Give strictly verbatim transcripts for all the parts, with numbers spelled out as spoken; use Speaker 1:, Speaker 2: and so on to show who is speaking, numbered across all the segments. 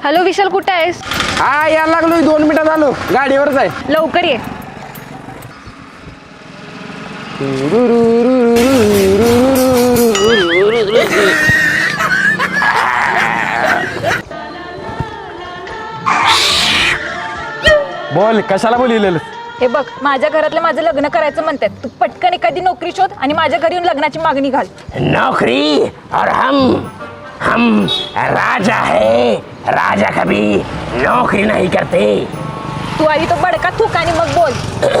Speaker 1: Hello विशाल, कुठे आहेस?
Speaker 2: हा यायला लागलो, दोन मिनिटात आलो, गाडीवरच आहे.
Speaker 1: लवकर ये.
Speaker 2: बोल, कशाला बोलिलेलं?
Speaker 1: हे बघ, माझ्या घरातले माझं लग्न करायचं म्हणतात. तू पटकन एखादी नोकरी शोध आणि माझ्या घरी येऊन लग्नाची मागणी घाल.
Speaker 3: नौकरी और हम हम राजा है, राजा कभी नौकरी नहीं करते.
Speaker 1: तू आधी तो बडका थूक आणि मग बोल.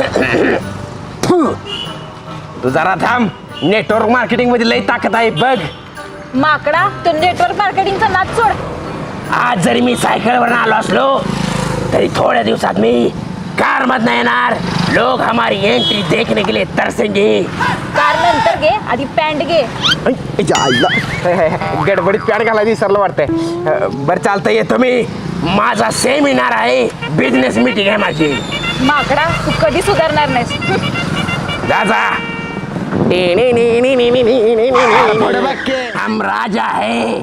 Speaker 2: तू जरा थांब, नेटवर्क मार्केटिंग मध्ये लई ताकद आहे बघ.
Speaker 1: माकडा, तो नेटवर्क मार्केटिंगचा नाद सोड.
Speaker 3: आज जरी मी सायकलवर आलो असलो तरी थोड्या दिवसात मी कार मधनं येणार. लोग हमारी एंट्री देखने के लिए तरसेंगे.
Speaker 1: कार नंतर घे, आधी पॅन्ट घे.
Speaker 2: गडबडीत पॅड घालायला विसरलं वाटतंय. बरं चालतंय, येतो मी.
Speaker 3: माझा सेमिनार आहे, बिझनेस मीटिंग आहे माझी.
Speaker 1: माकडा, तू कधी सुधारणार नाहीस.
Speaker 3: जा जा. हम राजा है.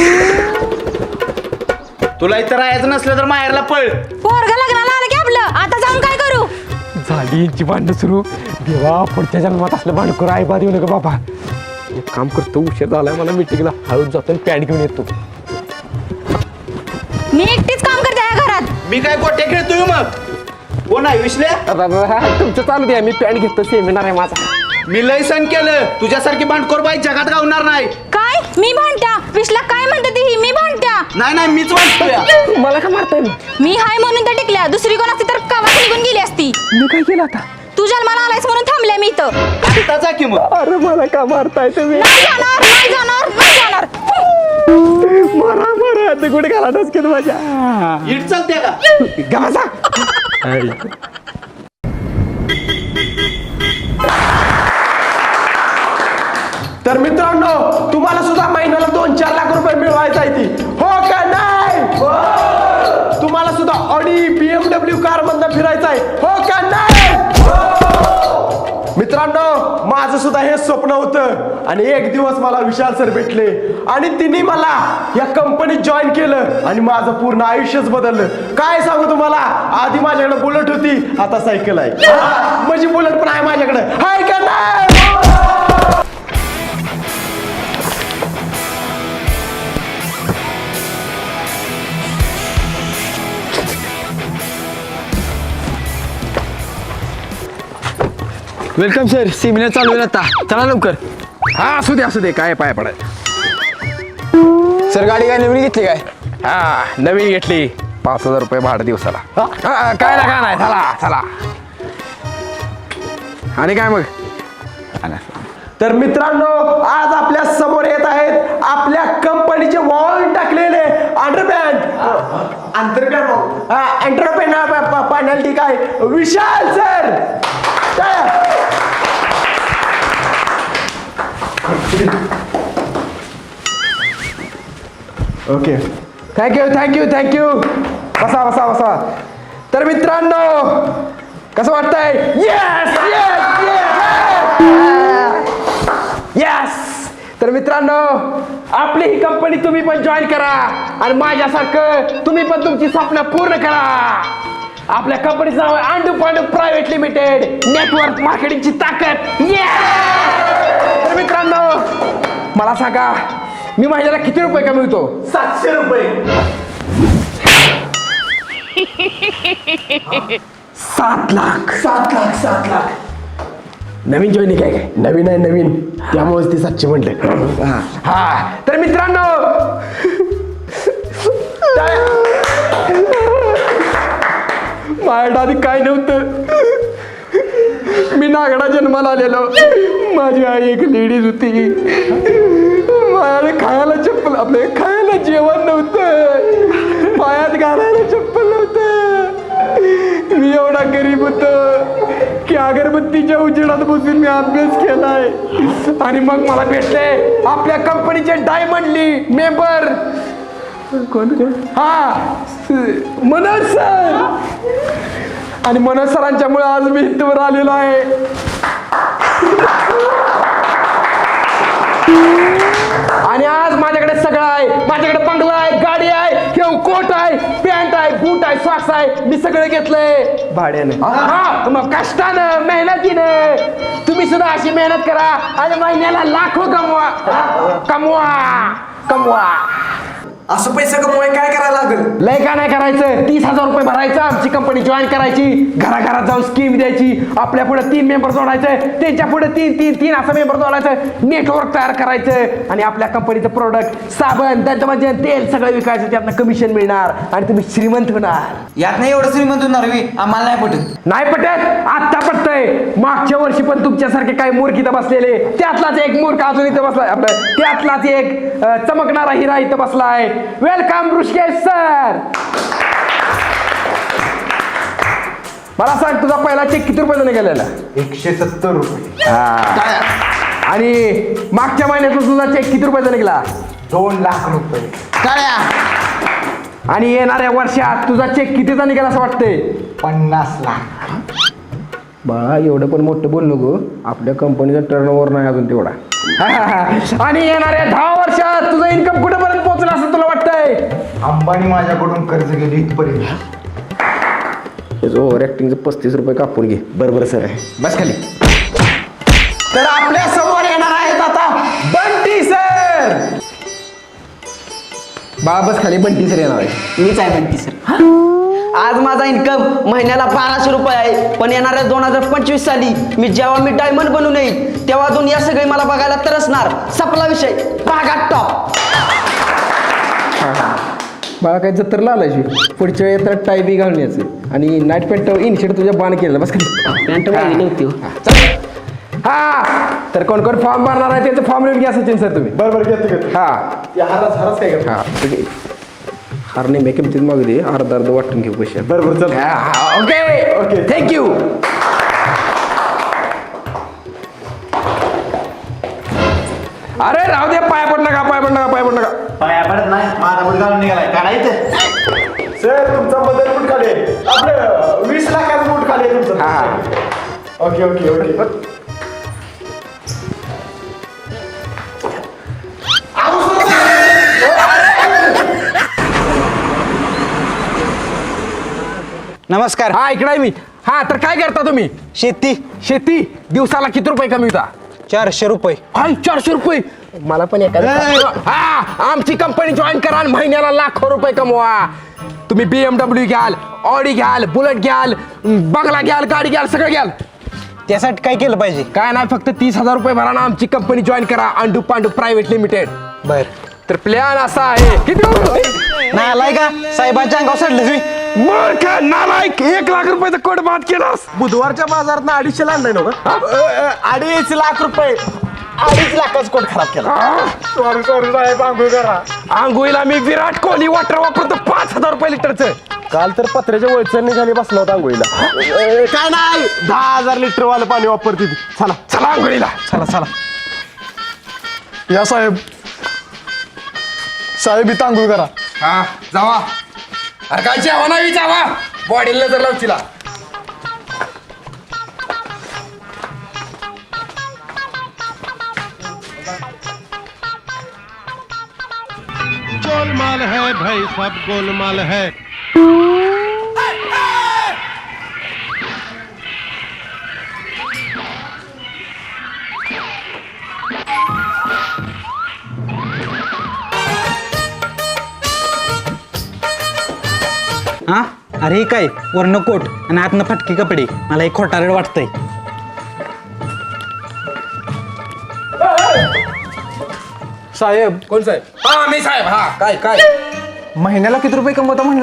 Speaker 4: तुला इथं राहायचं नसलं तर माहेरला पळ.
Speaker 1: पोरगा लग्नाला आलं की आपलं, आता जाऊन काय करू?
Speaker 2: झाली यांची भांडणं सुरू. देवा, पुढच्या जन्मात असलं भांडण करू आई बाद येऊ नका बाबा. एक काम करतो, उशीर झालाय मला मिटिंगला. हळूच जातो आणि पॅन्ट घेऊन येतो.
Speaker 1: मी एकटीच काम करते या घरात.
Speaker 4: मी काय गोट्या खेळतोय मग? कोण आहे विश्ल्या?
Speaker 2: तुमचं चालू द्या, मी पॅन्ट घेतो, सेमिनार आहे माझा.
Speaker 4: मी लय सण केलं, तुझ्यासारखी भांडखोर बाई जगात गावणार नाही.
Speaker 1: काय मी भांडत्या? विश्ला काय म्हणते ती? मी भांडत्या?
Speaker 4: नाही नाही, मीच भांडतोय.
Speaker 2: मला का मारताय?
Speaker 1: मी हाय म्हणून तर टिकल्या. दुसरी कोण असती तर कामात निघून गेली असती.
Speaker 2: मी काय केलं आता?
Speaker 1: तू जन्माला आलायस म्हणून थांबले मी इथं.
Speaker 4: आता जा की मग.
Speaker 2: अरे मला का मारताय तुम्ही?
Speaker 1: नाही जाणार, नाही जाणार, नाही जाणार.
Speaker 2: मारा मारा, आता कुठे घाला डोसक्यात माझ्या.
Speaker 4: इट चालते का?
Speaker 2: गाजा. तर मित्रांनो, तुम्हाला सुद्धा महिन्याला दोन चार लाख रुपये मिळवायचा आहे ती, हो का नाही? तुम्हाला सुद्धा ऑडी बीएमडब्ल्यू कार मधनं फिरायचं आहे, हो का नाही? मित्रांनो, माझं सुद्धा हे स्वप्न होतं आणि एक दिवस मला विशाल सर भेटले आणि तिने मला या कंपनीत जॉईन केलं आणि माझं पूर्ण आयुष्यच बदललं. काय सांगू तुम्हाला, आधी माझ्याकडे बुलेट होती, आता सायकल आहे. म्हणजे बुलेट पण आहे माझ्याकडे, हाय का नाही?
Speaker 5: वेलकम सर, सेमिनार चालू आहे आता, चला लवकर.
Speaker 2: हा असू दे असू दे, काय पाय पडाय.
Speaker 5: सर गाडी काय नवीन घेतली काय?
Speaker 2: हा नवीन घेतली, पाच हजार रुपये भाडं दिवसाला. हा, काय ना काय नाही, चला चला. आणि काय मग? तर मित्रांनो, आज आपल्या समोर येत आहेत आपल्या कंपनीचे वॉल टाकलेले अंडरपॅन्ट अंतरपॅन्ट अंतरपॅन्ट पॅनल, ठीक आहे, Vishal sir. Okay, thank you thank you thank you. बसा बसा बसा. तर मित्रांनो, कसं वाटतंय? Yes yes yes. तर मित्रांनो, आपली ही कंपनी तुम्ही पण जॉईन करा आणि माझ्यासारखं तुम्ही पण तुमची स्वप्न पूर्ण करा. आपल्या कंपनीचं नाव आहे Andu Pandu private limited, network मार्केटिंगची ताकद. तर मित्रांनो, मला सांगा, मी महिन्याला किती रुपये कमवतो?
Speaker 4: सातशे रुपये.
Speaker 2: सात लाख.
Speaker 4: सात लाख सात लाख.
Speaker 2: नवीन जॉईनिंग आहे काय? नवीन आहे नवीन, त्यामुळेच ते सातशे म्हटले. हा, तर मित्रांनो, माझ्या आधी काय नव्हतं. मी नागडा जन्माला आलेलो, माझी आई एक लेडीज होती. माझ्याकडे खायला चप्पल, आपले खायला जेवण नव्हतं, पायात घालायला चप्पल नव्हतं. मी एवढा गरीब होतो की अगरबत्तीच्या उजेडात बसून मी अभ्यास केलाय. आणि मग मला भेटले आपल्या कंपनीचे डायमंडली मेंबर. कोण कोण? हा, मनोज सर. आणि मनोज सरांच्यामुळे आज मी इथवर आलेलो आहे. आणि आज माझ्याकडे सगळं आहे. माझ्याकडे बंगला आहे, गाडी आहे, कोट आहे, स्वाक्स आहे मी सगळं घेतलंय
Speaker 4: भाड्याने
Speaker 2: हा मग कष्टानं मेहनतीनं तुम्ही सुद्धा अशी मेहनत करा आणि महिन्याला लाखो कमवा कमवा कमवा
Speaker 5: असं पैसे कमवाय काय करायला लागेल?
Speaker 2: लय का नाही करायचं तीस हजार रुपये भरायचं आमची कंपनी जॉईन करायची घराघरात जाऊन स्कीम द्यायची आपल्या पुढे तीन मेंबर जोडायचं त्यांच्या पुढे तीन तीन तीन असं मेंबर जोडायचं नेटवर्क तयार करायचं आणि आपल्या कंपनीचं प्रोडक्ट साबण दंतमंजन तेल सगळं विकायचं त्यातनं कमिशन मिळणार आणि तुम्ही श्रीमंत होणार
Speaker 5: यात नाही एवढं श्रीमंत होणार मी आम्हाला नाही पटत.
Speaker 2: नाही पटत आत्ता पटतंय मागच्या वर्षी पण तुमच्यासारखे काही मूर्ख इथं बसलेले त्यातलाच एक मूर्ख अजून इथं बसलाय आपलं त्यातलाच एक अं, चमकणारा हिरा इथं बसलाय वेलकम ऋषिकेश सर मला सांग तुझा पहिला चेक किती रुपयाचा गेलेला
Speaker 4: एकशे सत्तर रुपये
Speaker 2: आणि मागच्या महिन्यात तुझा चेक किती रुपयाचा निघाला
Speaker 4: दोन लाख रुपये
Speaker 2: आणि येणाऱ्या वर्षात तुझा चेक कितीचा निघाला असं वाटतंय
Speaker 4: पन्नास लाख
Speaker 2: बाळा एवढं पण मोठं बोल नको आपल्या कंपनीचा टर्नओव्हर नाही अजून तेवढा आणि येणाऱ्या दहा वर्षात तुझं इन्कम कुठेपर्यंत पोहोचलं असं तुला वाटतंय
Speaker 4: अंबानी माझ्याकडून कर्ज गेली इथपर्यंत
Speaker 2: ओव्हर ऍक्टिंगचं पस्तीस रुपये कापून घे बरोबर सर बस खाली तर आपल्या समोर येणार आहेत आता बंटी सर बाळा बस खाली बंटी सर येणार आहे
Speaker 5: मीच आहे म्हणते सर. आज माझा इन्कम महिन्याला बाराशे रुपये आहे पण येणाऱ्या दोन हजार पंचवीस साली मी जेव्हा मी डायमंड बनून येईल तेव्हा दुनिया सगळी मला बघायला तरसणार. संपला विषय बागात टॉप.
Speaker 2: बाळा काही जत्तरला आलायची पुढच्या वेळी येतात टाय बी घालून यायचं आणि नाईट पॅन्ट इनशर्ट तुझ्या बाण केलं बस खाली
Speaker 5: पॅन्ट माहिती नव्हती हो.
Speaker 2: हा तर कोण कोण फॉर्म भरणार आहे त्याचं फॉर्म लिहून घ्या सचिन सर तुम्ही
Speaker 4: बरोबर घेतो घेतो
Speaker 2: हा
Speaker 4: हरच हरच काय करतो
Speaker 2: हा ठीक आहे हार नेहमी किमतीत मागू दे अर्धा अर्ध वाटून घेऊ पैसे
Speaker 4: बरोबर चल
Speaker 2: ओके ओके थँक्यू अरे राहू दे पाय पड नका पाय पड नका पाय पड नका
Speaker 4: पाया पडत नाही माझा बुट घालून निघालाय काढायचं सर तुमचा बदल बूट खाली आपलं वीस लाखाचं बूट खाली तुमचं
Speaker 2: हा
Speaker 4: ओके ओके ओके
Speaker 5: नमस्कार.
Speaker 2: हा इकडे आहे मी हा तर काय करता तुम्ही
Speaker 5: शेती
Speaker 2: शेती दिवसाला किती रुपये कमी होता
Speaker 5: चारशे रुपये.
Speaker 2: हाय चारशे रुपये मला पण एखादं हा आमची कंपनी जॉईन करा आणि महिन्याला लाखो रुपये कमवा तुम्ही बीएमडब्ल्यू घ्याल ऑडी घ्याल बुलेट घ्याल बंगला घ्याल गाडी घ्याल सगळं घ्याल
Speaker 5: त्यासाठी काय केलं पाहिजे?
Speaker 2: काय नाही फक्त तीस हजार रुपये भरा ना आमची कंपनी जॉईन करा अंडू पांडू प्रायव्हेट लिमिटेड
Speaker 5: बर
Speaker 2: तर प्लॅन असा आहे किती
Speaker 5: नाही आलाय का साहेबांच्या अंगावर सोडलं तुम्ही.
Speaker 2: मूर्ख नालायक एक लाख रुपयाचा कोट बाद केलास
Speaker 4: बुधवारच्या बाजारात आडीचशे आणलाय ना अडीच लाख रुपये अडीच लाखाचा कोट खराब केला सॉरी सॉरी साहेब आंघोळ करा
Speaker 2: आंघोळीला मी विराट कोहली वॉटर वापरतो पाच हजार रुपये लिटरचं
Speaker 4: काल तर पत्र्याच्या वळचणी खाली बसला होता आंघोळीला काय नाही दहा हजार लिटर वालं पाणी वापरते ती चला
Speaker 2: चला आंघोळीला
Speaker 4: चला चला या साहेब साहेब इथं आंघोळ करा
Speaker 2: हा जावा अरे काय जेवा नाही जावा बॉडीला जर लावचिला
Speaker 6: गोलमाल है भाई सब गोलमाल है.
Speaker 5: हा अरे हे काय वरनं कोट आणि आतनं फटके कपडे मला एक खोटारड वाटतंय.
Speaker 4: साहेब
Speaker 2: कोण साहेब हा मी साहेब हा काय काय
Speaker 4: महिन्याला किती रुपये कमवता म्हणला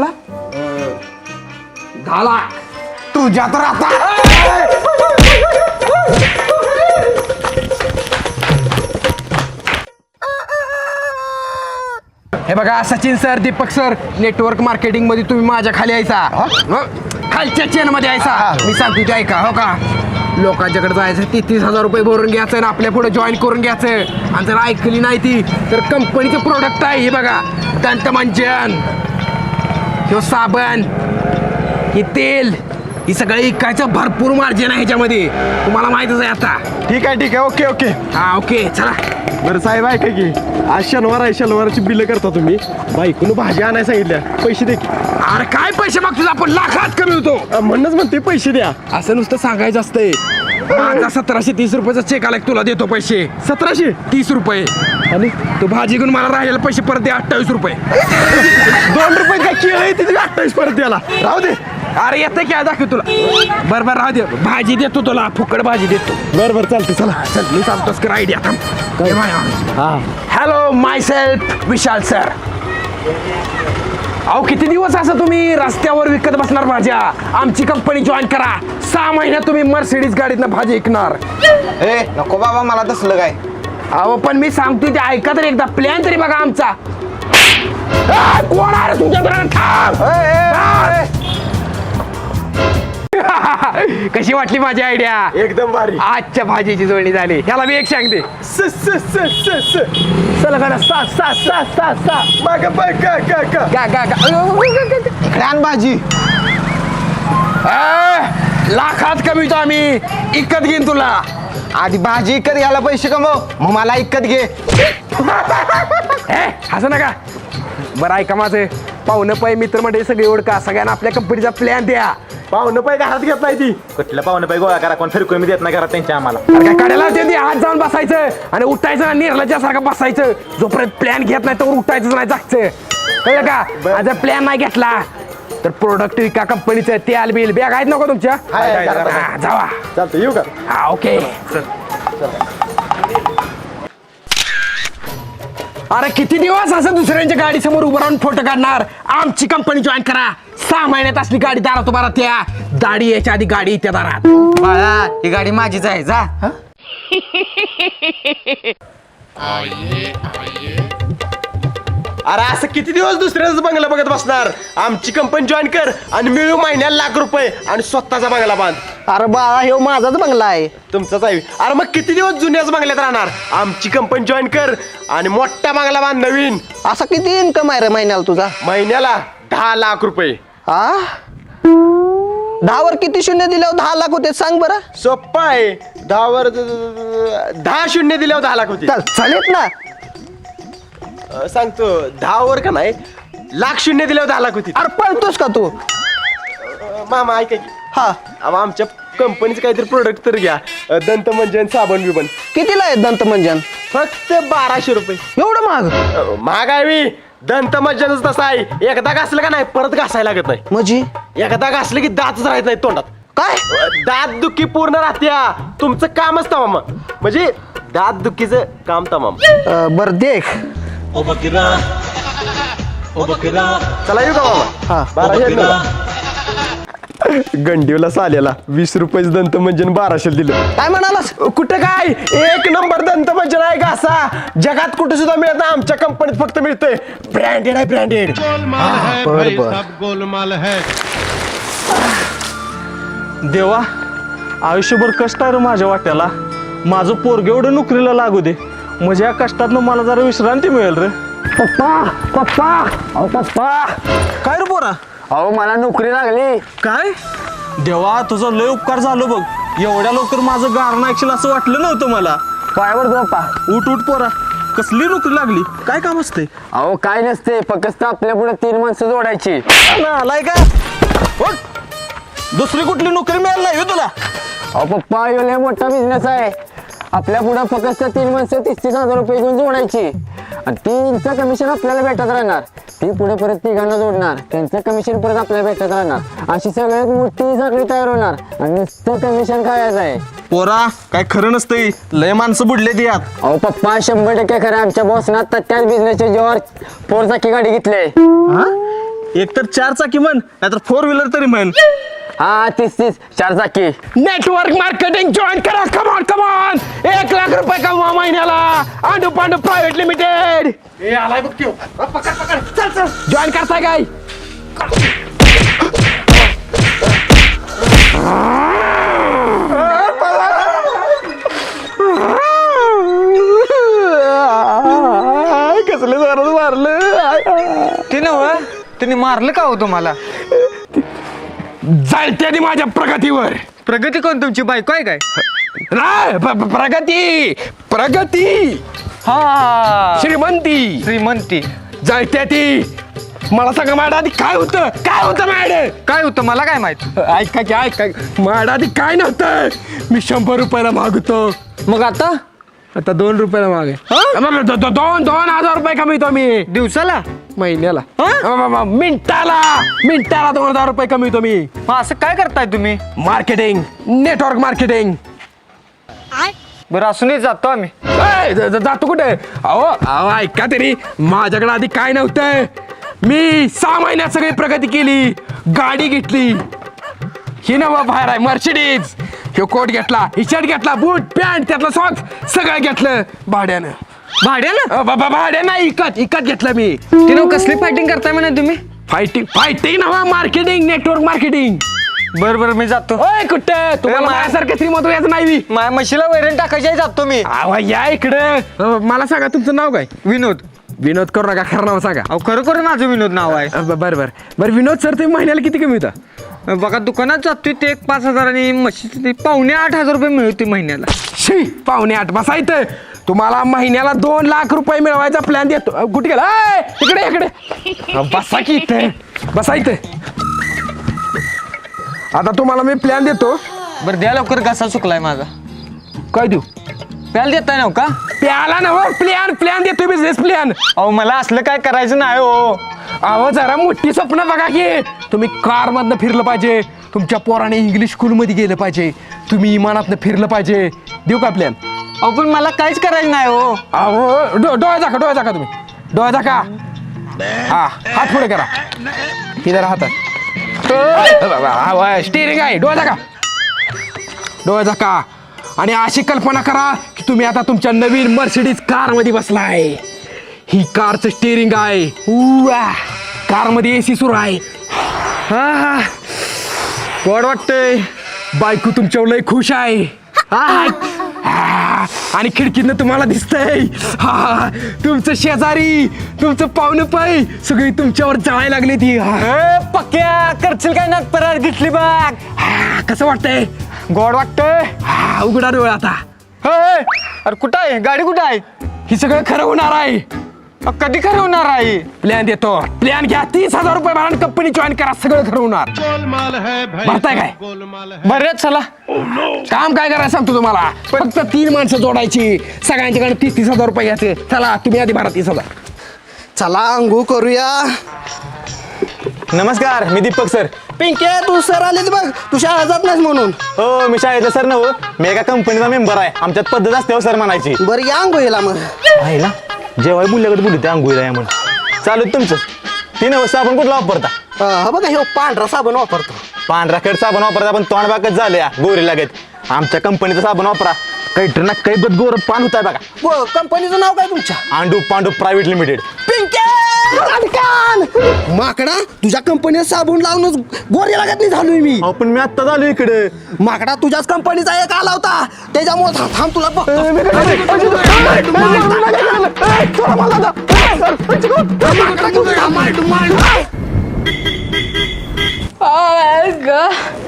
Speaker 2: दहा लाख
Speaker 4: तुझ्या तर आता
Speaker 2: हे बघा Sachin sir Deepak sir network marketing मध्ये तुम्ही माझ्या खाली यायचा हं? खालच्या चेन मध्ये यायचा मी सांगतो ते ऐका हो का लोकांच्याकडे जायचं तेहतीस हजार रुपये भरून घ्यायचं आणि आपल्या पुढे जॉईन करून घ्यायचं आणि जर ऐकली नाही ती तर कंपनीचं प्रोडक्ट आहे हे बघा दंतमंजन किंवा साबण हे तेल ही सगळं इकायचं भरपूर मार्जिन आहे ह्याच्यामध्ये तुम्हाला माहितच आहे आता
Speaker 4: ठीक आहे ठीक आहे ओके ओके
Speaker 2: हा ओके चला
Speaker 4: बरं साहेब ऐका की आज शनिवार आहे, शनिवारची बिलं करता तुम्ही. बायकोनं भाजी आणायला सांगितल्या, पैसे दे की.
Speaker 2: अरे काय पैसे मागतो आपण लाखात कमी होतो.
Speaker 4: अ, म्हणूनच म्हणते पैसे द्या.
Speaker 2: असं नुसतं सांगायचं असतंय. माझा सतराशे तीस रुपयाचा चेक आला की तुला देतो पैसे.
Speaker 4: सतराशे
Speaker 2: तीस रुपये
Speaker 4: आणि
Speaker 2: तू भाजी घेऊन मला राहिलेले पैसे परत दे अठ्ठावीस रुपये.
Speaker 4: दोन रुपये काय केळ आहे तिथे अठ्ठावीस परत द्याला. राहू दे.
Speaker 2: अरे येते काय दाखव तुला. बरं बरं राहू दे, भाजी देतो तुला, फुकट भाजी देतो.
Speaker 4: बरं बरं चालते चला.
Speaker 2: चल मी सांगतोस कर आयडिया.
Speaker 4: हा
Speaker 2: hello myself Vishal sir. अहो किती दिवस असं तुम्ही रस्त्यावर विकत बसणार भाज्या. आमची कंपनी जॉईन करा. सहा महिन्यात तुम्ही मर्सिडीज गाडीतनं भाजी विकणार.
Speaker 7: ए नको बाबा मला तसलं काय.
Speaker 2: अहो पण मी सांगतोय ते ऐका तर एकदा. प्लॅन तरी बघा आमचा. आ, कोण आहे रे तुमच्या घरात? थांब. थांब. कशी वाटली माझी आयडिया?
Speaker 4: एकदम भारी.
Speaker 2: आजच्या भाजीची जोडणी झाली. ह्याला मी एक सांगते.
Speaker 4: स स स स स
Speaker 2: चला गाडा सा सा सा सा सा
Speaker 4: माग बाय का का का
Speaker 2: गा गा गा.
Speaker 7: इकडे आण भाजी.
Speaker 2: आ, लाखात कमीतो आम्ही. इकत घेईन तुला.
Speaker 7: आधी भाजी इकत घ्यायला पैसे कमव, मग मला इकत घे.
Speaker 2: हे असं नका. बरं ऐका माझं. पाहुणं पाय मित्र म्हणजे सगळे ओळखा. सगळ्यांना आपल्या कंपनीचा प्लॅन द्या.
Speaker 4: पाहुणं पाय काय हात घेत नाही ती.
Speaker 8: कुठल्या पाहुणे पाहिजे गोळा करा, कोण फिरकोय मी देत नाही घरात त्यांच्या आम्हाला.
Speaker 2: अरे काय काढायला ते हात जाऊन बसायचं आणि उठायचं आणि निर्लज्जा सारखं बसायचं. जोपर्यंत प्लॅन घेत नाही तर उठायचं नाही जागचं. कळलं का? जर प्लॅन नाही घेतला तर प्रोडक्ट विका कंपनीचं. तेल बिल बॅग आहेत नको तुमच्या?
Speaker 4: हाय, हाय, हाय.
Speaker 2: हा, जावा.
Speaker 4: चालतं येऊ का?
Speaker 2: हा ओके. अरे किती दिवस असं दुसऱ्यांच्या गाडी समोर उभं राहून फोटो काढणार. आमची कंपनी जॉईन करा. सहा महिन्यात असली गाडी दारात उभा राहत्या. दाढी याच्या आधी गाडी येत्या दारात.
Speaker 7: बाळा ही गाडी माझीच आहे जा.
Speaker 4: अरे असं किती दिवस दुसऱ्याच बंगला बघत बसणार. आमची कंपनी जॉईन कर आणि मिळू महिन्याला लाख रुपये आणि स्वतःचा बंगला बांध.
Speaker 5: अरे बाळा हे माझाच बंगला आहे.
Speaker 4: तुमचाच आहे. अरे मग किती दिवस जुन्याच बंगल्यात राहणार. आमची कंपनी जॉईन कर आणि मोठा बंगला बांध नवीन.
Speaker 5: असा किती इन्कम आहे रे महिन्याला तुझा?
Speaker 4: महिन्याला दहा लाख रुपये.
Speaker 5: हा दहावर किती शून्य दिल्यावर दहा लाख होते सांग बरं.
Speaker 4: सोप्पा आहे. दहावर दहा शून्य दिल्यावर दहा लाख होते.
Speaker 5: चल चालेल ना.
Speaker 4: अं, सांगतो दहावर का नाही लाख शून्य दिल्यावर दहा लाख होती.
Speaker 5: अरे पळतोस का तू?
Speaker 4: अं, मामा ऐका की.
Speaker 5: हा
Speaker 4: अहो, आमच्या कंपनीचं काहीतरी प्रोडक्ट तर घ्या. अं, दंतमंजन साबण बिबन
Speaker 5: कितीला आहे दंतमंजन?
Speaker 4: फक्त बाराशे रुपये.
Speaker 5: एवढं महाग?
Speaker 4: अं, महाग आहे मी. दंतमंजनच तसं आहे. एकदा घासलं का नाही परत घासायला लागत नाही.
Speaker 5: म्हणजे
Speaker 4: एकदा घासलं की दातच राहत नाही तोंडात.
Speaker 5: काय?
Speaker 4: दात दुखी पूर्ण राहत्या. तुमचं कामच तमाम. म्हणजे दात दुखीचं काम तमाम.
Speaker 5: अं, बरं देख.
Speaker 4: चला येऊ का मामा?
Speaker 5: हा
Speaker 4: बाराशे गंडीवला साल्याला वीस रुपये दंतमंजन बाराशे दिलं.
Speaker 5: काय म्हणालास?
Speaker 4: कुठं काय एक नंबर दंतमंजन आहे घासा. जगात कुठे सुद्धा मिळत नाही. आमच्या कंपनीत फक्त मिळतंय. ब्रँडेड आहे ब्रँडेड.
Speaker 6: गोलमाल है
Speaker 5: बर,
Speaker 6: भाई
Speaker 5: बर.
Speaker 6: सब गोलमाल है.
Speaker 9: देवा आयुष्यभर कष्ट आहे रे माझ्या वाट्याला. माझं पोरगे एवढं नोकरीला लागू दे म्हणजे या कष्टातनं मला जरा विश्रांती मिळेल रे.
Speaker 5: पप्पा पप्पा अहो पप्पा.
Speaker 9: काय रे पोरा?
Speaker 5: अहो मला नोकरी लागली.
Speaker 9: काय? देवा तुझं लय उपकार झालं बघ. एवढ्या लवकर माझं गारणं ऐकशील असं वाटलं नव्हतं मला.
Speaker 5: पायावर पप्पा.
Speaker 9: उठ उठ पोरा. कसली नोकरी लागली? काय काम असते?
Speaker 5: अहो काय नसते फक्त आपल्या पुढे तीन माणसं जोडायची.
Speaker 9: आलाय का? उठ. दुसरी कुठली नोकरी मिळाली नाही हो तुला?
Speaker 5: अहो पप्पा ह्यो लय मोठा बिझनेस आहे. आपल्या पुढे फक्त तीन माणसं तीस तीस हजार रुपये घेऊन जोडायची आणि तीनचं कमिशन आपल्याला भेटत राहणार. ती पुढे परत तिघांना जोडणार. त्यांचं कमिशन परत आपल्याला भेटत राहणार. अशी सगळ्यात मोठी साखळी तयार होणार आणि नुसतं कमिशन खायचं आहे.
Speaker 9: पोरा काय खरं नसतंय. लय माणसं बुडले ती यात.
Speaker 5: अहो पप्पा शंभर टक्के खरं. आमच्या बॉसनं आता त्याच बिझनेसच्या जेव्हा फोर चाकी गाडी घेतली.
Speaker 9: एक तर चार चाकी म्हण नाहीतर फोर व्हीलर तरी म्हण.
Speaker 5: हा तीस तीस चार चाकी.
Speaker 2: नेटवर्क मार्केटिंग जॉईन करा. Come on come on. एक लाख रुपये कमवा महिन्याला. Andu Pandu private limited. Join करताय काय?
Speaker 4: कसले जोरात मारलं.
Speaker 7: ते नव्ह तुम्ही मारलं का हो तुम्हाला?
Speaker 2: जळत्यानी माझ्या प्रगतीवर.
Speaker 7: प्रगती कोण तुमची बायको आहे काय?
Speaker 2: नाही प- प- प्रगती प्रगती हा श्रीमंती
Speaker 7: श्रीमंती
Speaker 2: जळत्या ती. मला सांगा माझ्या आधी काय होतं काय होतं माझ्या
Speaker 7: काय होतं मला काय माहित.
Speaker 2: ऐका की ऐका माझ्या आधी काय नव्हतं. मी शंभर रुपयाला मागतो.
Speaker 7: मग आता
Speaker 2: आता दोन रुपयाला मागे दोन दोन हजार रुपये कमीतो मी
Speaker 7: दिवसाला
Speaker 2: महिन्याला. मिनिटाला मिनिटाला दोन हजार रुपये कमीतो मी.
Speaker 7: मग असं काय करताय तुम्ही.
Speaker 2: Marketing network marketing.
Speaker 7: बरं असूनही जातो आम्ही.
Speaker 2: ए, ज- ज- जातो कुठे. अहो अहो ऐका तरी माझ्याकडे आधी काय नव्हतं. मी सहा महिन्यात सगळी प्रगती केली. गाडी घेतली. ही नवा बाहेर आहे मर्सिडीज. ह्यो कोट घेतला ही शर्ट घेतला बूट पॅन्ट त्यातलं सॉक्स सगळं घेतलं भाड्यानं.
Speaker 7: भाड्यानं
Speaker 2: अ, बा- बा- भाड्यानं नाही इकत इकत घेतलं मी.
Speaker 7: ते नाव कसली फायटिंग करताय म्हणा तुम्ही.
Speaker 2: फायटिंग फायटिंग नवा मार्केटिंग नेटवर्क मार्केटिंग.
Speaker 7: बरं बरं मी जातो.
Speaker 2: ओय कुठे तुम्हाला
Speaker 7: मा-
Speaker 2: माझ्यासारखं श्रीमंत याचं नाही बी.
Speaker 7: माझ्या म्हशीला वैरण टाकायची आहे, जातो मी.
Speaker 2: आवा या इकडं. अ, मला सांगा तुमचं नाव काय.
Speaker 7: विनोद.
Speaker 2: विनोद करू नका खरं नाव सांगा.
Speaker 7: अहो खरोखर माझं विनोद नाव आहे.
Speaker 2: अ, ब- बरं बरं बरं विनोद सर तुम्ही महिन्याला किती कमी होता.
Speaker 7: बघा दुकानात जातोय ते एक पाच हजार आणि म्हशीचे ते पावणे आठ हजार रुपये मिळते महिन्याला.
Speaker 2: शी पावणे आठ बसायचं. तुम्हाला महिन्याला दोन लाख रुपये मिळवायचा प्लॅन देतो. अ, कुठे गेला ए, इकडे इकडे अ, बसा की इथे बसायचं. आता तुम्हाला मी प्लॅन देतो.
Speaker 7: बरं द्या लवकर घसा चुकलाय माझा.
Speaker 2: काय देऊ
Speaker 7: प्याल देताय नव का.
Speaker 2: प्याला ना प्लॅन प्लॅन देतो बिझनेस प्लॅन.
Speaker 7: अहो मला असलं काय करायचं नाही हो.
Speaker 2: अहो जरा मोठी स्वप्न बघा की. तुम्ही कार मधनं फिरलं पाहिजे. तुमच्या पोराने इंग्लिश स्कूल मध्ये गेलं पाहिजे. तुम्ही इमानातनं फिरलं पाहिजे. देऊ का प्लॅन.
Speaker 7: अहो पण मला काहीच करायचं नाही हो.
Speaker 2: अहो डो डोळ्या झाका डोळ्या झाका तुम्ही डोळ्या झाका. हा हात पुढे करा. इधर हातात स्टिअरिंग आहे. डोळ्या झाका डोळ्या झाका. आणि अशी कल्पना करा की तुम्ही आता तुमच्या नवीन मर्सिडीज कार मध्ये बसलाय. ही कारचं स्टिअरिंग आहे. कार मध्ये एसी सुरू आहे. हा गोड वाटतंय. बायको तुमच्यावर लय खुश आहे. हा. हा. आणि खिडकीतनं तुम्हाला दिसतंय हा तुमचं शेजारी तुमचं पाहुणं पाय सगळी तुमच्यावर जळायला लागली ती.
Speaker 7: ए, पक्क्या करशील काय नाग परत घेतली बघ.
Speaker 2: हा, कसं वाटतंय.
Speaker 7: गोड वाटतंय.
Speaker 2: हा उघडा डोळा आता.
Speaker 7: ए, अरे कुठं आहे गाडी कुठं आहे.
Speaker 2: ही सगळं खरं होणार आहे.
Speaker 7: अ, कधी खरं होणार आहे.
Speaker 2: प्लॅन देतो. प्लॅन घ्या तीस हजार रुपये भरा कंपनी जॉईन करा सगळं खरं होणार.
Speaker 6: गोलमाल है भाई
Speaker 2: भरताय काय?
Speaker 6: सब गोलमाल है.
Speaker 7: बरं चला.
Speaker 2: काम काय करायचं सांगतो तुम्हाला. फक्त तीन माणसं जोडायची. सगळ्यांच्याकडे तीस तीस हजार रुपये घ्यायचे. चला तुम्ही आधी भरा तीस हजार.
Speaker 5: चला अंघोळ करूया.
Speaker 8: नमस्कार मी दीपक सर.
Speaker 5: पिंके तू सर आले बघ. तू शाळा जात नाहीस म्हणून.
Speaker 8: हो मी शाळेतला सर नव. मी एका कंपनीचा मेंबर आहे. आमच्यात पद्धत असते हो सर म्हणायची.
Speaker 5: बरं या अंघोळीला मग.
Speaker 8: आहे ना जेव्हा मुलाकडे बोलू त्या अंघोळीला या म्हणून चालू तुमचं. तीन अवस्था आपण कुठला वापरता.
Speaker 5: हा बघा हे पांढरा साबण वापरतो.
Speaker 8: पांढरा खेळ साबण वापरता पण तोंड बाकच झाले गोरी लागत. आमच्या कंपनीचा साबण वापरा. काही ना काही बद गोर पान होत आहे बघा.
Speaker 5: व, कंपनीचं नाव काय तुमच्या.
Speaker 8: Andu Pandu private limited.
Speaker 5: पिंके माकडा तुझ्या कंपनीत साबण लावूनच गोरी लागत नाही झालोय मी.
Speaker 8: अहो पण मी आत्ता झालो इकडे.
Speaker 5: माकडा तुझ्याच कंपनीचा एक आला होता त्याच्यामुळे थांब थांब तुला बघतो.
Speaker 1: ग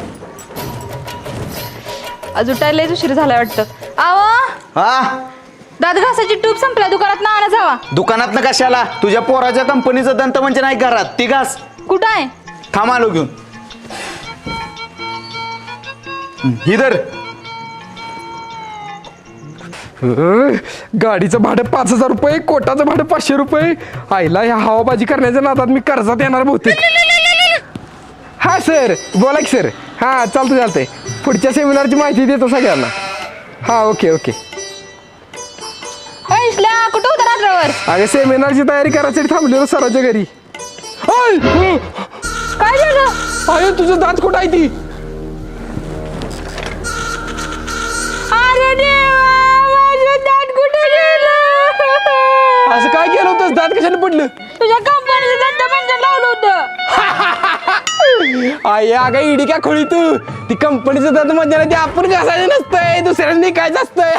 Speaker 1: आज उठायला उशीर झालाय वाटतं. आवा
Speaker 4: हा
Speaker 1: दात घासाची ट्यूब संपल्या दुकानात ना आणा जावा.
Speaker 4: दुकानात ना कशाला. तुझ्या पोराच्या कंपनीचं दंत म्हणजे नाही घरात ती घास.
Speaker 1: कुठं आहे.
Speaker 4: थांब आलो घेऊन. इधर
Speaker 2: गाडीचं भाडं पाच हजार रुपये कोटाचं भाडं पाचशे रुपये. आईला ह्या हवाबाजी करण्याच्या नादात मी कर्जात येणार बहुतेक. हा सर बोला की सर. हा चालतं चालतंय. पुढच्या सेमिनारची माहिती देतो सगळ्यांना. हा ओके ओके.
Speaker 1: ऐशल्या कुठं होता रात्रभर.
Speaker 2: अगे सेमिनारची तयारी करायसाठी थांबलेलो सराच्या घरी. ओय!
Speaker 1: काय झालं.
Speaker 2: अरे तुझं दात कुठं आहे ती.
Speaker 1: अरे देवा माझं दात कुठे गेलं.
Speaker 2: असं काय केलं होतं दात कशाने पडलं.
Speaker 1: तुझ्या कंपनीचं दंत म्हणजे लावलं होतं.
Speaker 2: आई अगं इडी काय खोळी तू. ती कंपनीचं दात म्हणजे ते आपण घासायचं नसतंय दुसऱ्याने निघायचं असतंय.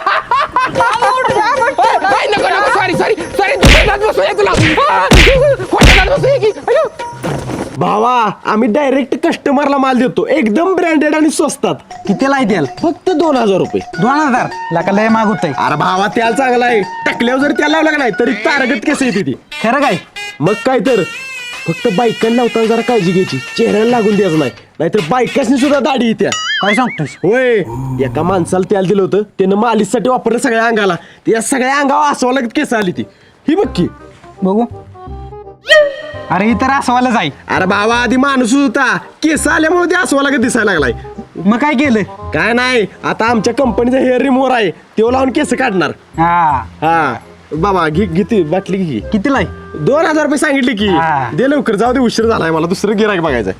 Speaker 2: नको नको सॉरी सॉरी सॉरी दुसऱ्या दात बसूया तुला. खोट्या दात बसूया की.
Speaker 4: भावा आम्ही डायरेक्ट कस्टमरला माल देतो एकदम ब्रँडेड आणि स्वस्तात.
Speaker 5: कितीला आहे त्याला?
Speaker 4: फक्त दोन हजार रुपये.
Speaker 5: दोन हजार लाका लय माग होतंय.
Speaker 4: अरे भावा त्याला चांगला आहे. टाकल्यावर जर त्याला लावला का नाही तरी तारगट केस येते ती.
Speaker 5: खरं काय?
Speaker 4: मग काय तर फक्त बायकांना लावताना जरा काळजी घ्यायची, चेहऱ्याला लागून द्यायचं नाही, नाहीतर बायकासनी सुद्धा दाढी येत्या.
Speaker 5: काय सांगतोस?
Speaker 4: होय, एका माणसाला त्याला दिलं होतं, त्यानं मालिशसाठी वापरलं सगळ्या अंगाला, त्या सगळ्या अंगावर असं लागत केस आली ती. ही बघ की.
Speaker 5: बघू. अरे ही तर असवायला जाई.
Speaker 4: अरे भावा आधी माणूस होता, केस आल्यामुळे ते असवा लागत दिसायला लागलाय.
Speaker 5: मग काय केलं?
Speaker 4: काय नाही, आता आमच्या कंपनीचा हेअर रिमूव्हर आहे, तो लावून केस काढणार.
Speaker 5: हा
Speaker 4: हा बाबा घे किती बाटली घे.
Speaker 5: कितीला आहे?
Speaker 4: दोन हजार रुपये सांगितले की.
Speaker 5: हा.
Speaker 4: दे लवकर, जाऊ दे, उशीर झालाय मला दुसरं गिराक बघायचंय.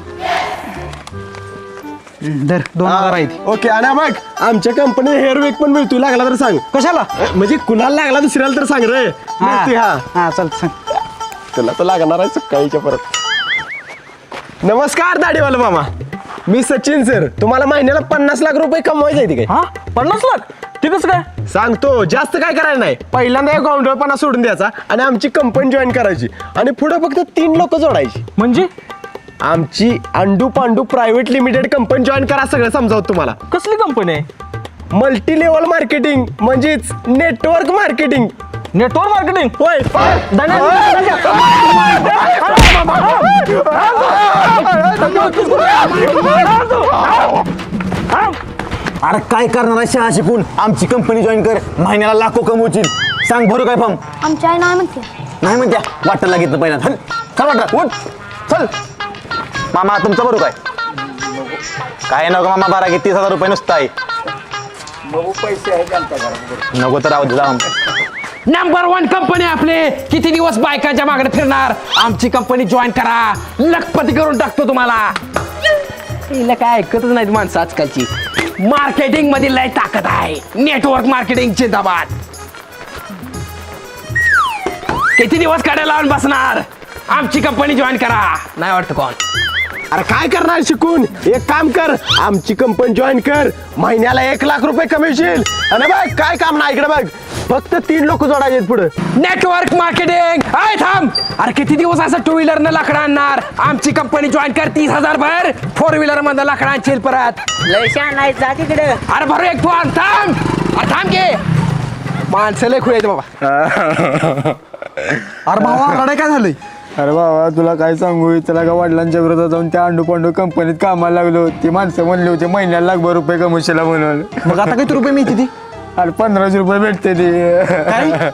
Speaker 5: दर दोन हजार आहेत.
Speaker 4: ओके. आणि मग आमच्या कंपनीत हेअर वेक पण मिळतोय, लागला तर सांग.
Speaker 5: कशाला?
Speaker 4: अ, म्हणजे कुणाला लागला दुसऱ्याला तर सांग रे. मिळतोय, हा
Speaker 5: हा चालतं सांग.
Speaker 4: तुला तर लागणार आहे सकाळीच्या परत. नमस्कार दाढीवाला मामा, मी सचिन सर. तुम्हाला महिन्याला पन्नास लाख रुपये कमवायचे आहे काय?
Speaker 5: हा पन्नास लाख? ते कसं काय?
Speaker 4: सांगतो, जास्त काय करायला नाही. पहिल्यांदा एक गावंडळपणा सोडून द्यायचा आणि आमची कंपनी जॉईन करायची आणि पुढे फक्त तीन लोक जोडायची.
Speaker 5: म्हणजे
Speaker 4: आमची Andu Pandu private limited company join करा, सगळं समजावत तुम्हाला.
Speaker 5: कसली कंपनी आहे?
Speaker 4: मल्टी लेवल मार्केटिंग म्हणजेच नेटवर्क मार्केटिंग.
Speaker 5: Network marketing?
Speaker 4: होय.
Speaker 8: अरे काय करणार आहे शाळा शिकून? आमची कंपनी जॉईन कर, महिन्याला लाखो कमवशील. सांग भरू काय फॉर्म?
Speaker 10: आमच्या आई नाही म्हणते.
Speaker 8: नाही म्हणत्या, वाटायला घेतलं पहिला. चल चल वाटा उठ चल. मामा तुमचं भरू काय? काय नको मामा, बारा की तीस हजार रुपये नुसतं आहे. नको तर राहू दे, जाऊ.
Speaker 3: नंबर वन कंपनी आपले. किती दिवस बायकांच्या मागणे फिरणार? आमची कंपनी जॉईन करा, लखपती करून टाकतो तुम्हाला. तिला काय ऐकतच नाहीत माणसं आजकालची. मार्केटिंग मध्ये लय ताकद आहे. नेटवर्क मार्केटिंग जिंदाबाद. किती दिवस काढायला लावून बसणार? आमची कंपनी जॉईन करा. नाही वाटतं कोण?
Speaker 4: अरे काय करणार शिकून? एक काम कर, आमची कंपनी जॉईन कर, महिन्याला एक लाख रुपये कमवशील. आणि बघ काय काम नाही, इकडे बघ, फक्त तीन लोक जोडायचे पुढे.
Speaker 3: Network marketing. आय थांब. अरे किती दिवस असं टू व्हीलर न लाकडं आणणार? आमची कंपनी जॉईन कर, तीस हजार भर. फोर व्हीलर मध्ये लाकडं आणशील परत.
Speaker 5: लय छान आहे, जा तिकडे.
Speaker 3: अरे भरू एक तू आण. थांब. अरे थांब घे. माणसं लय खुळे आहेत बाबा.
Speaker 5: अरे भावा लढाई काय झालंय?
Speaker 2: अरे बाबा तुला काय सांगू, त्याला का वडिलांच्या विरोधात जाऊन त्या अंडू पांडू कंपनीत कामाला लागलो. ती माणसं म्हणली होती महिन्याला लाखभर रुपये कमवशीला म्हणून.
Speaker 5: मग आता किती रुपये मिळते ती?
Speaker 2: अरे पंधराशे रुपये भेटते ती.
Speaker 5: काय?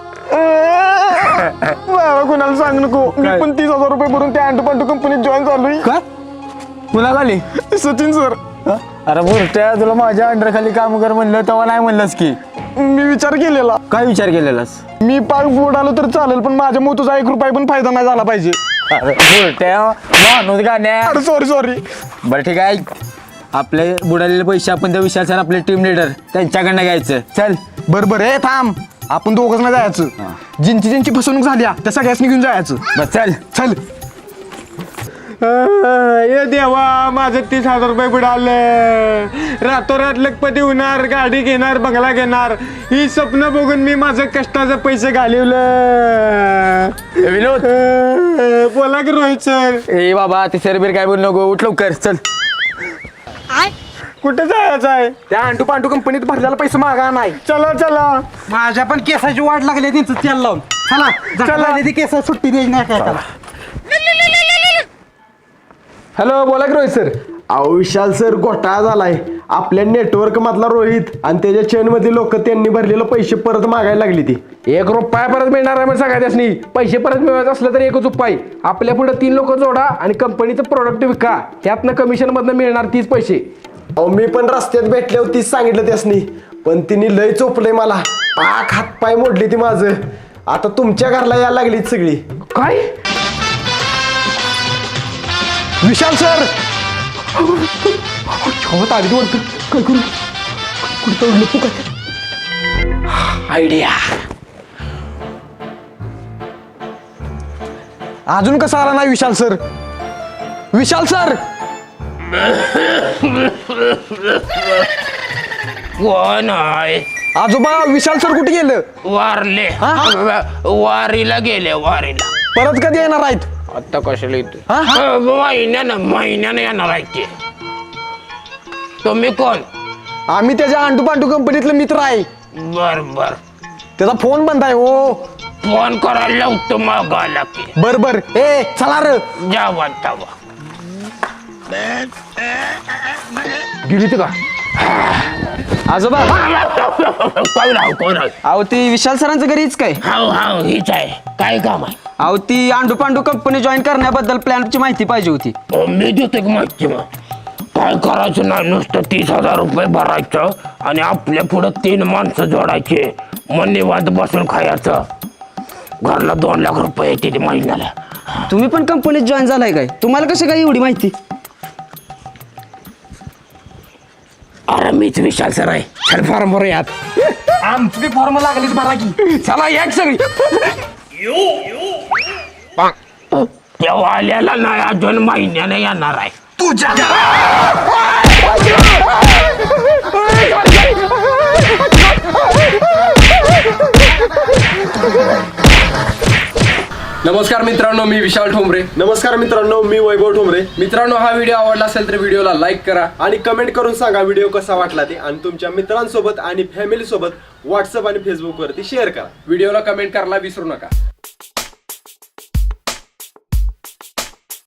Speaker 2: बाबा कुणाला सांग नको, मी पण तीस हजार रुपये भरून त्या अंडू पांडू कंपनीत जॉईन झालोय.
Speaker 5: काय?
Speaker 2: कुणा खाली? सचिन सर. अरे बुरट्या, तुला माझ्या अंडर खाली काम कर म्हणलं तेव्हा नाही म्हणलंस की. मी विचार केलेला.
Speaker 5: काय विचार केलेलास?
Speaker 2: मी पाक बुडालो तर चालेल, पण माझ्या मोतूचा एक रुपया पण फायदा नाही झाला पाहिजे. अरे बुरट्या माणूस गाण्या. अरे सॉरी सॉरी.
Speaker 5: बरं ठीक आहे, आपले बुडालेले पैसे आपण त्या विशाल सर आपले टीम लीडर त्यांच्याकडनं घ्यायचं.
Speaker 2: चल बरं बरं, हे थांब, आपण दोघंच नाही जायचं. जिंची जिंची फसवणूक झाली त्या सगळ्याच घेऊन जायचं.
Speaker 5: बस चल.
Speaker 2: चल. ये देवा, माझं तीस हजार रुपये बुडाले. रातोरात लखपती होणार, गाडी घेणार, बंगला घेणार, ही स्वप्न बघून मी माझं कष्टाचं पैसे घालवलं.
Speaker 5: विनोद
Speaker 2: बोला की रोहित सर.
Speaker 5: ए बाबा ते सरबीर काय बोल नको, उठ लवकर चल.
Speaker 2: कुठे जायचं आहे?
Speaker 4: त्या अंडू पांडू कंपनीत भरलेला पैसे मागा नाही.
Speaker 2: चला चला
Speaker 5: माझ्या पण केसाची वाट लागली त्यांचं तेल लावून. चला
Speaker 2: चला.
Speaker 5: ती केस सुट्टी द्यायची नाही काय त्याला.
Speaker 2: हॅलो, बोला की रोहित सर.
Speaker 4: अहो विशाल सर घोटाळा झालाय. आपल्या नेटवर्क मधला रोहित आणि त्याच्या चेन मधली लोक त्यांनी भरलेले पैसे परत मागायला लागली ती.
Speaker 2: एक रुपया परत मिळणार आहे म्हणजे सगळ्या त्यासनी. पैसे परत मिळवायचं असलं तर एकच उपाय, आपल्या पुढे तीन लोक जोडा आणि कंपनीचं प्रोडक्ट विका, त्यातनं कमिशन मधनं मिळणार तीस पैसे.
Speaker 4: अहो मी पण रस्त्यात भेटले होती, सांगितलं त्यासनी, पण तिने लय चोपलंय मला. पाक हात पाय मोडली ती माझं. आता तुमच्या घरला यायला लागली सगळी.
Speaker 2: काय? विशाल सर आली वाटतं. काय करू? कुठं लपू काय?
Speaker 3: आयडिया.
Speaker 2: अजून कसा आला नाही विशाल सर? विशाल सर
Speaker 3: कोण आहे?
Speaker 2: आजोबा, विशाल सर कुठे गेलं?
Speaker 3: वारले. वारीला गेले, वारीला.
Speaker 2: परत कधी येणार आहेत?
Speaker 3: आता कशाला येतो महिन्यानं महिन्यानं येणार आहे ते. तुम्ही कोण?
Speaker 4: आम्ही त्याच्या अंटू पांटू कंपनीतले मित्र आहे.
Speaker 3: बर बर
Speaker 4: त्याचा फोन बंद आहे हो.
Speaker 3: फोन करायला लावतो मग आला की.
Speaker 4: बर बर ए चला र.
Speaker 3: जावा जावा.
Speaker 4: गेली का
Speaker 5: आजोबा
Speaker 3: कोण राव कोण राव?
Speaker 5: अहो ती विशाल सरांचं घरीच काय?
Speaker 3: हाव हाव हीच आहे. काय काम आहे?
Speaker 5: अहो ती आंडू पांडू कंपनी जॉईन करण्याबद्दल प्लॅनची माहिती पाहिजे होती.
Speaker 3: अ, मी देतो की माहिती मग. काय करायचं नाही, नुसतं तीस हजार रुपये भरायचं आणि आपल्या पुढं तीन माणसं जोडायचे, मग निवांत बसून खायचं. घरला दोन लाख रुपये येते ते महिन्याला.
Speaker 5: तुम्ही पण कंपनीत जॉईन झालाय काय? तुम्हाला कसं काय एवढी माहिती?
Speaker 3: अरे मीच विशाल सर आहे. चल फॉर्म भरूयात.
Speaker 2: आमची बी फॉर्म लागलीच भरा की.
Speaker 3: चला एक सगळी. तेव्हा आल्याला नाही, अजून महिन्याने येणार आहे.
Speaker 2: नमस्कार मित्रांनो, मी विशाल ठोंबरे.
Speaker 4: नमस्कार मित्रांनो, मी वैभव ठोंबरे.
Speaker 2: मित्रांनो, हा व्हिडिओ आवडला असेल तर व्हिडिओला लाईक करा
Speaker 4: आणि कमेंट करून सांगा व्हिडिओ कसा वाटला ते, आणि तुमच्या मित्रांसोबत आणि फॅमिली सोबत व्हॉट्सअप आणि फेसबुक वरती शेअर करा.
Speaker 2: व्हिडिओला कमेंट करायला विसरू नका.